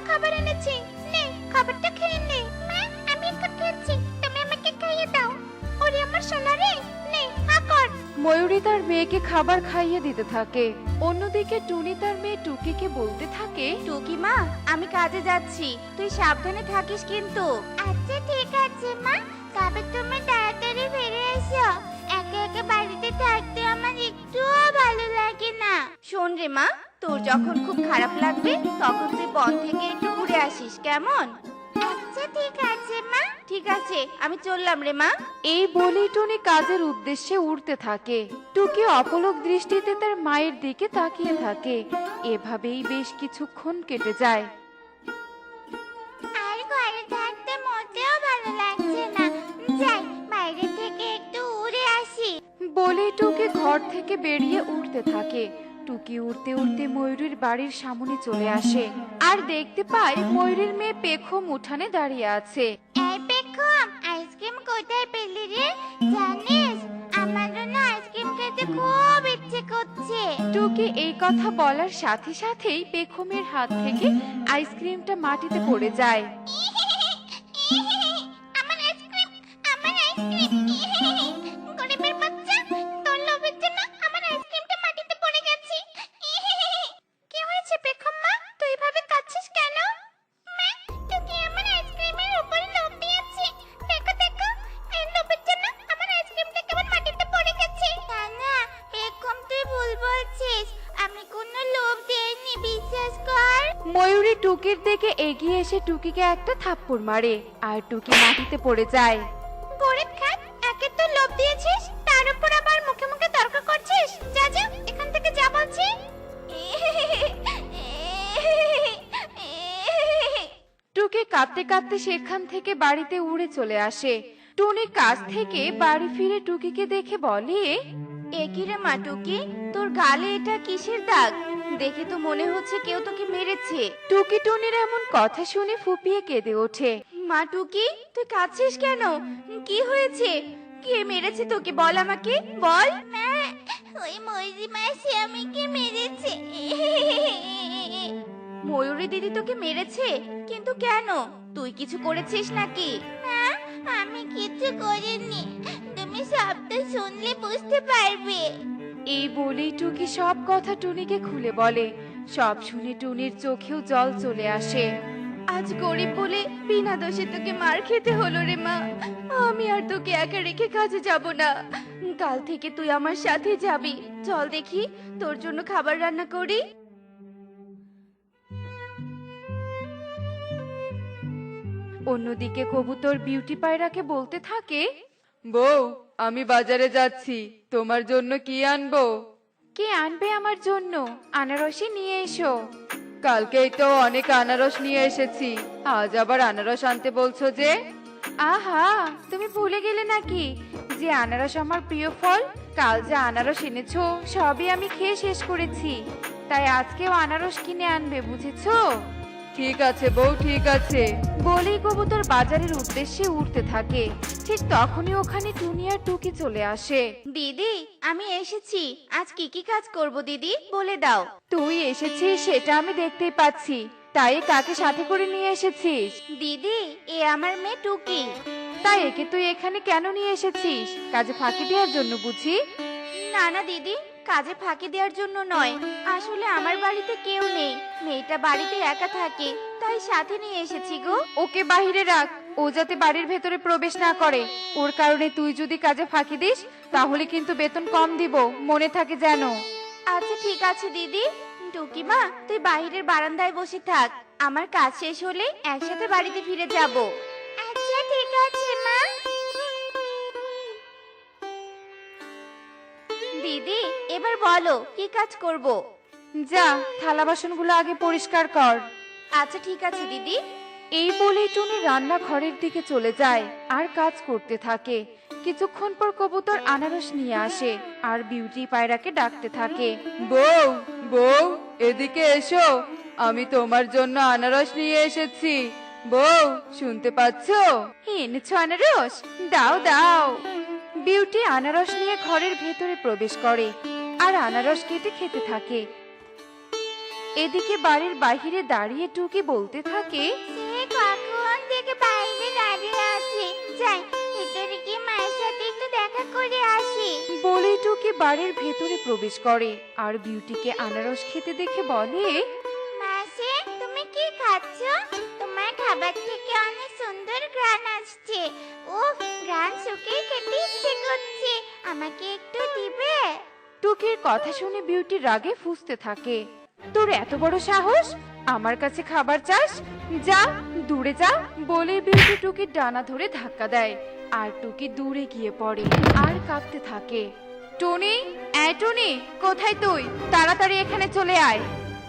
খাবার এনেছি, নে খাবারটা খেয়ে নে। মা, আমি এখন খেয়েছি, তুমি আমাকে খাইয়ে দাও। ওরে আমার সোনা রে, নে হা কর। ময়ূরী তার মেয়েকে খাবার খাইয়ে দিতে থাকে। অন্যদিকে টুনি তার মেয়ে টুকিকে বলতে থাকে, টুকি মা, আমি কাজে যাচ্ছি, তুই সাবধানে থাকিস কিন্তু। আচ্ছা ঠিক আছে মা, তবে তুমি তাড়াতাড়ি ফিরে এসো। একা একা বাড়িতে থাকতে আমার একটুও ভালো লাগে না। শোন রে মা, তোর যখন খুব খারাপ লাগবে তখন তুই বন থেকে একটু ঘুরে আসিস, কেমন? আচ্ছা ঠিক আছে মা। ঠিক আছে, আমি চললাম রে মা। এই বলেই টুনি কাজের উদ্দেশ্যে উড়তে থাকে। টুকি অপলক দৃষ্টিতে তার মায়ের দিকে তাকিয়ে থাকে। এভাবেই বেশ কিছুক্ষণ কেটে যায়। আর ঘরে থাকতে মোটেও ভালো লাগছে না, যাই বাইরে থেকে একটু উড়ে আসি। বলেই টুকি ঘর থেকে বেরিয়ে উড়তে থাকে। টুকি উড়তে উড়তে ময়ূরীর বাড়ির সামনে চলে আসে আর দেখতে পায় ময়ূরীর মেয়ে পেখম উঠানে দাঁড়িয়ে আছে। এই পেখম, আইসক্রিম কোথায় পেলি রে? জানিস আমারও না আইসক্রিম খেতে খুব ইচ্ছে করছে। টুকি এই কথা বলার সাথে সাথেই পেখমের হাত থেকে আইসক্রিমটা মাটিতে পড়ে যায়। আমার আইসক্রিম, আমার আইসক্রিম। গরিবের বাচ্চা, তোর লোভের জন্য আমার আইসক্রিমটা মাটিতে পড়ে গেছে। কি হয়েছে পেখম মা, তুই এভাবে কাঁদছিস কেন? মা, টুকি আমার আইসক্রিমের উপরে লোভ দিয়েছে। দেখো দেখো, এই লোভের জন্য আমার আইসক্রিমটা কেমন মাটিতে পড়ে গেছে। না না পেখম, তুই ভুল বলছিস, আমি কোনো লোভ দেইনি, বিশ্বাস কর। ময়ূরী টুকির দিকে এগিয়ে এসে টুকিকে একটা থাপ্পড় মারে আর টুকি মাটিতে পড়ে যায়। গরিব খাত, একে তো লোভ দিয়েছিস, তার উপর আবার মুখে মুখে তর্ক করছিস। যা যা এখান থেকে, যা বলছি। টুকি কাঁদতে কাঁদতে সেখান থেকে বাড়িতে উড়ে চলে আসে। টুনি কাজ থেকে বাড়ি ফিরে টুকিকে দেখে বলে, এ কি রে মা টুকি, তোর গালে এটা কিসের দাগ? দেখে তো মনে হচ্ছে কেউ তোকে মেরেছে। টুকি টুনির এমন কথা শুনে ফুপিয়ে কেঁদে ওঠে। মা টুকি, তুই কাঁদছিস কেন? কি হয়েছে? কে মেরেছে তোকে, বল আমাকে, বল। মা, ওই ময়ূরী মাসি আমাকে মেরেছে। ময়ূরী দিদি তোকে মেরেছে? কিন্তু কেন, তুই কিছু করেছিস নাকি? না, আমি কিছু করিনি, তুমি সবটা শুনলে বুঝতে পারবে। এই বলেই টুকি সব কথা টুনিকে খুলে বলে। সব শুনে টুনির চোখেও জল চলে আসে। আজ গরিব বলে বিনা দোষে তোকে মার খেতে হলো রে মা। আমি আর তোকে একা রেখে কাজে যাব না, কাল থেকে তুই আমার সাথে যাবি। চল দেখি, তোর জন্য খাবার রান্না করি। অন্যদিকে কবুতর বিউটি পায়রাকে বলতে থাকে, বউ, আমি বাজারে যাচ্ছি, তোমার জন্য কি আনবো? কে আনবে আমার জন্য? আনারসই নিয়ে এসো। কালকেই তো অনেক আনারস নিয়ে এসেছি, আজ আবার আনারস আনতে বলছো যে? আহা, তুমি ভুলে গেলে নাকি যে আনারস আমার প্রিয় ফল? কাল যে আনারস এনেছো সবই আমি খেয়ে শেষ করেছি, তাই আজকেও আনারস কিনে আনবে, বুঝেছো? ঠিক আছে বউ, ঠিক আছে। বলেই কবুতর বাজারের উদ্দেশ্যে উঠতে থাকে। ঠিক তখনই ওখানে টুনি আর টুকি চলে আসে। দিদি, আমি এসেছি, আজ কি কি কাজ করব দিদি, বলে দাও। তুই এসেছিস সেটা আমি দেখতেই পাচ্ছি, তাই কাকে সাথে করে নিয়ে এসেছিস? দিদি, এ আমার মেয়ে টুকি। তাই একে তুই এখানে কেন নিয়ে এসেছিস? কাজে ফাঁকি দেওয়ার জন্য বুঝি? না না দিদি, কাজে ফাঁকি দেওয়ার জন্য নয়, আসলে আমার বাড়িতে কেউ নেই, মেয়েটা বাড়িতে একা থাকে, তাই সাথে নিয়ে এসেছি গো। ওকে বাহিরে রাখ, ও যাতে বাড়ির ভেতরে প্রবেশ না করে। ওর কারণে তুই যদি কাজে ফাঁকি দিস তাহলে কিন্তু বেতন কম দিব, মনে থাকে যেন। আচ্ছা ঠিক আছে দিদি। টুকি মা, তুই বাইরের বারান্দায় বসে থাক, আমার কাজ শেষ হলে একসাথে বাড়িতে ফিরে যাব। আচ্ছা ঠিক আছে মা। দিদি, এবার বলো কি কাজ করব? যা, থালা বাসনগুলো আগে পরিষ্কার কর। আচ্ছা ঠিক আছে দিদি। এই বলে টুনি রান্নাঘরের দিকে চলে যায় আর কাজ করতে থাকে। কিছুক্ষণ পর কবুতর আনারস নিয়ে আসে আর বিউটি পায়রাকে ডাকতে থাকে, বউ, বউ, এদিকে এসো, আমি তোমার জন্য আনারস নিয়ে এসেছি। বউ, শুনতে পাচ্ছো? এনেছো আনারস? দাও দাও। বিউটি আনারস নিয়ে ঘরের ভেতরে প্রবেশ করে আর আনারস কেটে খেতে থাকে। এদিকে বাড়ির বাইরে দাঁড়িয়ে টুকি বলতে থাকে, সে কখন থেকে বাইরে দাঁড়িয়ে আছে, যাই ভিতরে গিয়ে মায়ের সাথে একটু দেখা করে আসি। বলেই টুকি বাড়ির ভেতরে প্রবেশ করে আর বিউটিকে আনারস খেতে দেখে বলে, মাসি, তুমি কি খাচ্ছ? তোমার খাবার থেকে অনেক সুন্দর ঘ্রাণ আসছে। উফ, ঘ্রাণ শুকিয়ে খেতে ইচ্ছে করছে, আমাকে একটু দিবে? টুকির কথা শুনে বিউটি রাগে ফুঁসতে থাকে। তোর এত বড় সাহস, আমার কাছে খাবার চাস? যা, দূরে যা। বলে বিউটি টুকির ডানা ধরে ধাক্কা দেয় আর টুকি দূরে গিয়ে পড়ে আর কাঁপতে থাকে। টনি, টনি, কোথায় তুই? তাড়াতাড়ি এখানে চলে আয়।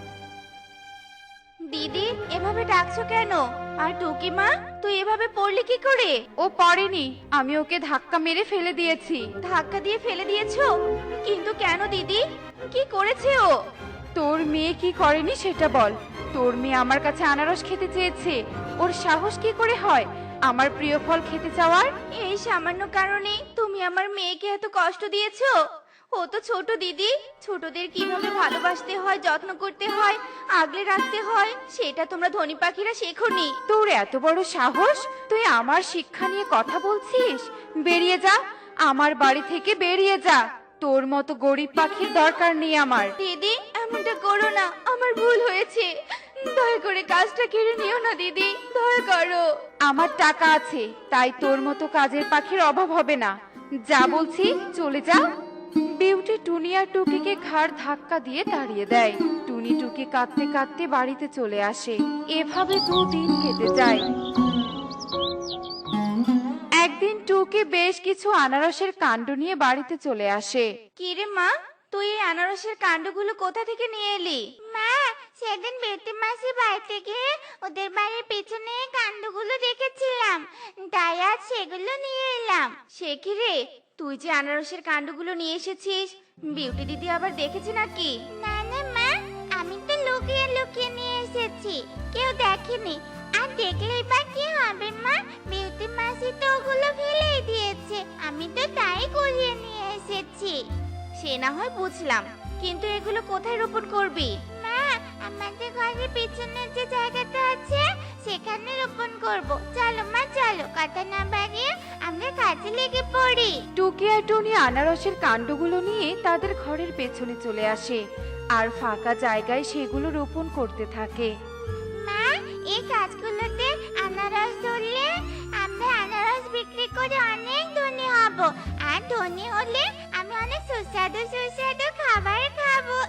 দিদি, এভাবে ডাকছো কেন? আর টুকি মা, তুই এভাবে পড়লি কি করে? ও পড়েনি, আমি ওকে ধাক্কা মেরে ফেলে দিয়েছি। ধাক্কা দিয়ে ফেলে দিয়েছো? কিন্তু কেন দিদি, কি করেছে ও? তোর মেয়ে কি করেনি সেটা বল। তোর মেয়ে আমার কাছে আনারস খেতে চেয়েছে, ওর সাহস কি করে হয় আমার প্রিয় ফল খেতে চাওয়ার? এই সামান্য কারণে তুমি আমার মেয়েকে এত কষ্ট দিয়েছো? ও তো ছোট দিদি, ছোটদের কিভাবে ভালোবাসতে হয়, যত্ন করতে হয়, আগলে রাখতে হয়, সেটা তোমরা ধনী পাখিরা শেখোনি। তোর এত বড় সাহস, তুই আমার শিক্ষা নিয়ে কথা বলছিস? বেরিয়ে যা, আমার বাড়ি থেকে বেরিয়ে যা। তোর মতো গরিব পাখির দরকার নেই আমার। দিদি, এমনটা করো না, আমার ভুল হয়েছে, দয়া করে কাজটা কেড়ে নিও না দিদি, দয়া করো। আমার টাকা আছে, তাই তোর মতো কাজের পাখির অভাব হবে না। যা বলছি, চলে যা। বিউটি টুনি আর টুকিকে ঘাড় ধাক্কা দিয়ে তাড়িয়ে দেয়। টুনি টুকি কাঁদতে কাঁদতে বাড়িতে চলে আসে। এভাবে 2 দিন কেটে যায়। একদিন টুকি বেশ কিছু আনারসের কাণ্ড নিয়ে বাড়িতে চলে আসে। কি রে মা, তুই এই আনারসের কাণ্ডগুলো কোথা থেকে নিয়ে এলি? মা, সেদিন বেটি মাসি বাড়িতে গিয়ে ওদের বাড়ির পেছনে এই কাণ্ডগুলো দেখেছিলাম, তাই আজ সেগুলো নিয়ে এলাম। সে কি রে, তুই যে আনারসের কাণ্ডগুলো নিয়ে এসেছিস, বিউটি দিদি আবার দেখেছে নাকি? না না মা, আমি তো লুকিয়ে লুকিয়ে নিয়ে এসেছি, কেউ দেখেনি। আর দেখলেই বা কি হবে মা, বিউটি মাসি তো ওগুলো ফেলেই দিয়েছে, আমি তো তাই কুড়িয়ে নিয়ে এসেছি। সে না হয় বুঝলাম, কিন্তু এগুলো কোথায় রোপণ করবি? মা, আমাদের ঘরের পিছনের যে জায়গাটা আছে সেখানে রোপণ করব। চলো মা, চলো, কথা না বাড়িয়ে আমরা কাজে লেগে পড়ি। টুকি আর টুনি আনারসের কাণ্ডগুলো নিয়ে তাদের ঘরের পেছনে চলে আসে আর ফাঁকা জায়গায় সেগুলো রোপণ করতে থাকে। মা, এই গাছগুলোতে আনারস ধরলে আমরা আনারস বিক্রি করে অনেক ধনী হব, আর ধনী হলে আমি অনেক সুস্বাদু সুস্বাদু খাবার খাবো।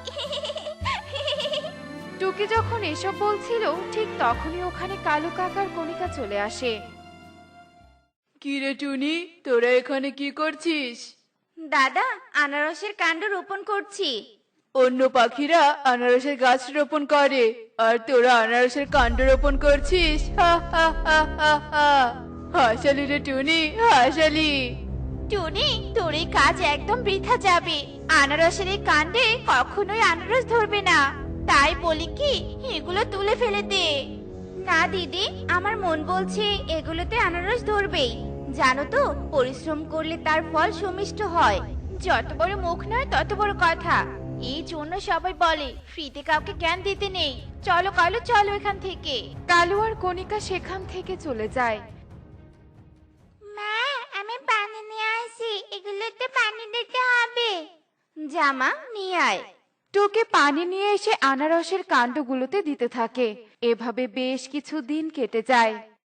টুকি যখন এসব বলছিল ঠিক তখনই ওখানে কালু কাকার কণিকা চলে আসে। কি রে টুনি, তোরা এখানে কি করছিস? দাদা, আনারসের কাণ্ড রোপণ করছি। অন্য পাখিরা আনারসের গাছ রোপণ করে আর তোরা আনারসের কাণ্ড রোপণ করছিস? হা হা হা হা হা। হাসালি রে টুনি, হাসালি। টুনি, তোর এই কাজ একদম বৃথা যাবে, আনারসের এই কাণ্ডে কখনোই আনারস ধরবে না, তাই বলি কি এগুলো তুলে ফেলে দে। না দিদি, আমার মন বলছে এগুলোতে আনারস ধরবেই। জানো তো, পরিশ্রম করলে তার ফল সুমিষ্ট হয়। যত বড় মুখ নয় তত বড় কথা, এই জন্য সবাই বলে ফ্রিতে কাউকে জ্ঞান দিতে নেই। চলো কালু, চলো এখান থেকে। কালু আর কণিকা সেখান থেকে চলে যায়। মা, আমি পানি নিয়ে আসি, এগুলোতে পানি দিতে হবে। জামা নিয়ে আয়। টুকি পানি নিয়ে এসে আনারসের কাণ্ডগুলোতে দিতে থাকে। এভাবে বেশ কিছু দিন কেটে যায়।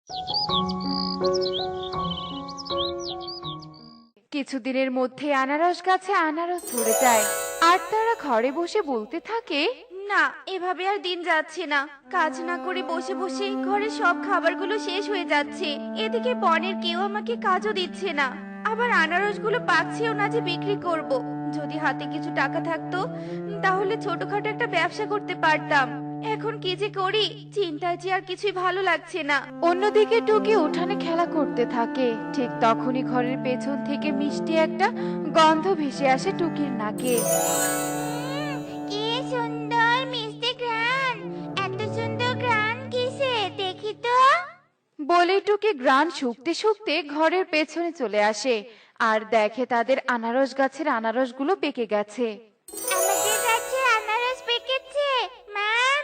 কিছুদিনের মধ্যে আনারস গাছে আনারস ধরে যায় আর তারা ঘরে বসে বলতে থাকে, না, এভাবে আর দিন যাচ্ছে না, কাজ না করে বসে বসে ঘরে সব খাবারগুলো শেষ হয়ে যাচ্ছে, এদিকে বনের কেউ আমাকে কাজও দিচ্ছে না, আবার আনারসগুলো পাকছেও না যে বিক্রি করব। যদি হাতে কিছু টাকা থাকতো তাহলে ছোটখাটো একটা ব্যবসা করতে পারতাম। এখন কি যে করি, চিন্তায় যে আর কিছুই ভালো লাগছে না। অন্যদিকে টুকি উঠানে খেলা করতে থাকে। ঠিক তখনই ঘরের পেছন থেকে মিষ্টি একটা গন্ধ ভেসে আসে টুকির নাকে। কি সুন্দর মিষ্টি ঘ্রাণ, এত সুন্দর ঘ্রাণ কিসে দেখি তো। বলে টুকি গ্রান শুকতে শুকতে ঘরের পেছনে চলে আসে আর দেখে তাদের আনারস গাছের আনারসগুলো পেকে গেছে। আমাদের গাছে আনারস পেকেছে মা।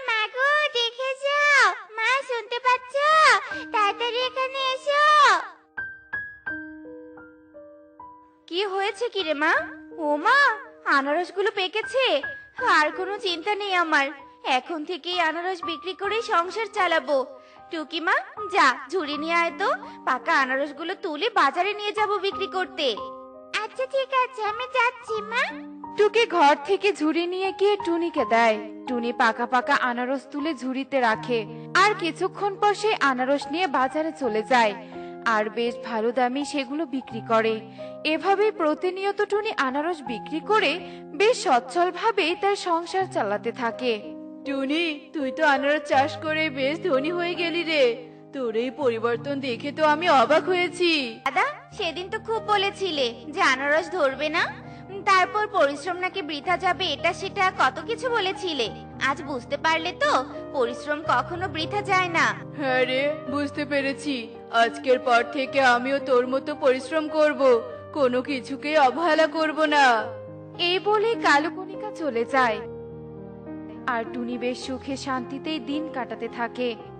হচ্ছে কি রে মা? ও মা, আনারসগুলো পেকেছে। আর কোনো চিন্তা নেই আমার। এখন থেকেই আনারস বিক্রি করে সংসার চালাবো। টুকি মা, যা ঝুড়ি নিয়ে আয় তো। পাকা আনারসগুলো তুলে বাজারে নিয়ে যাব বিক্রি করতে। আচ্ছা ঠিক আছে, আমি যাচ্ছি মা। টুকি ঘর থেকে ঝুড়ি নিয়ে গিয়ে টুনিকে দেয়। টুনি পাকা পাকা আনারস তুলে ঝুড়িতে রাখে আর কিছুক্ষণ পর সেই আনারস নিয়ে বাজারে চলে যায় আর বেশ ভালো দামে সেগুলো বিক্রি করে। এভাবেই প্রতিনিয়ত টুনি আনারস বিক্রি করে বেশ সচ্ছলভাবে তার সংসার চালাতে থাকে। টুনি, তুই তো আনারস চাষ করে বেশ ধনী হয়ে গেলি রে। তোর এই পরিবর্তন দেখে তো আমি অবাক হয়েছি। দাদা, সেদিন তো খুব বলেছিলে যে আনারস ধরবে না, তারপর পরিশ্রম নাকি বৃথা যাবে, এটা সেটা কত কিছু বলেছিলে। আজ বুঝতে পারলে তো পরিশ্রম কখনো বৃথা যায় না। হ্যাঁ রে, বুঝতে পেরেছি। আজকের পর থেকে আমিও তোর মতো পরিশ্রম করব, কোনো কিছুকে অবহেলা করব না। এই বলে কালুকণিকা চলে যায় আর টুনি বেশ সুখে শান্তিতেই দিন কাটাতে থাকে।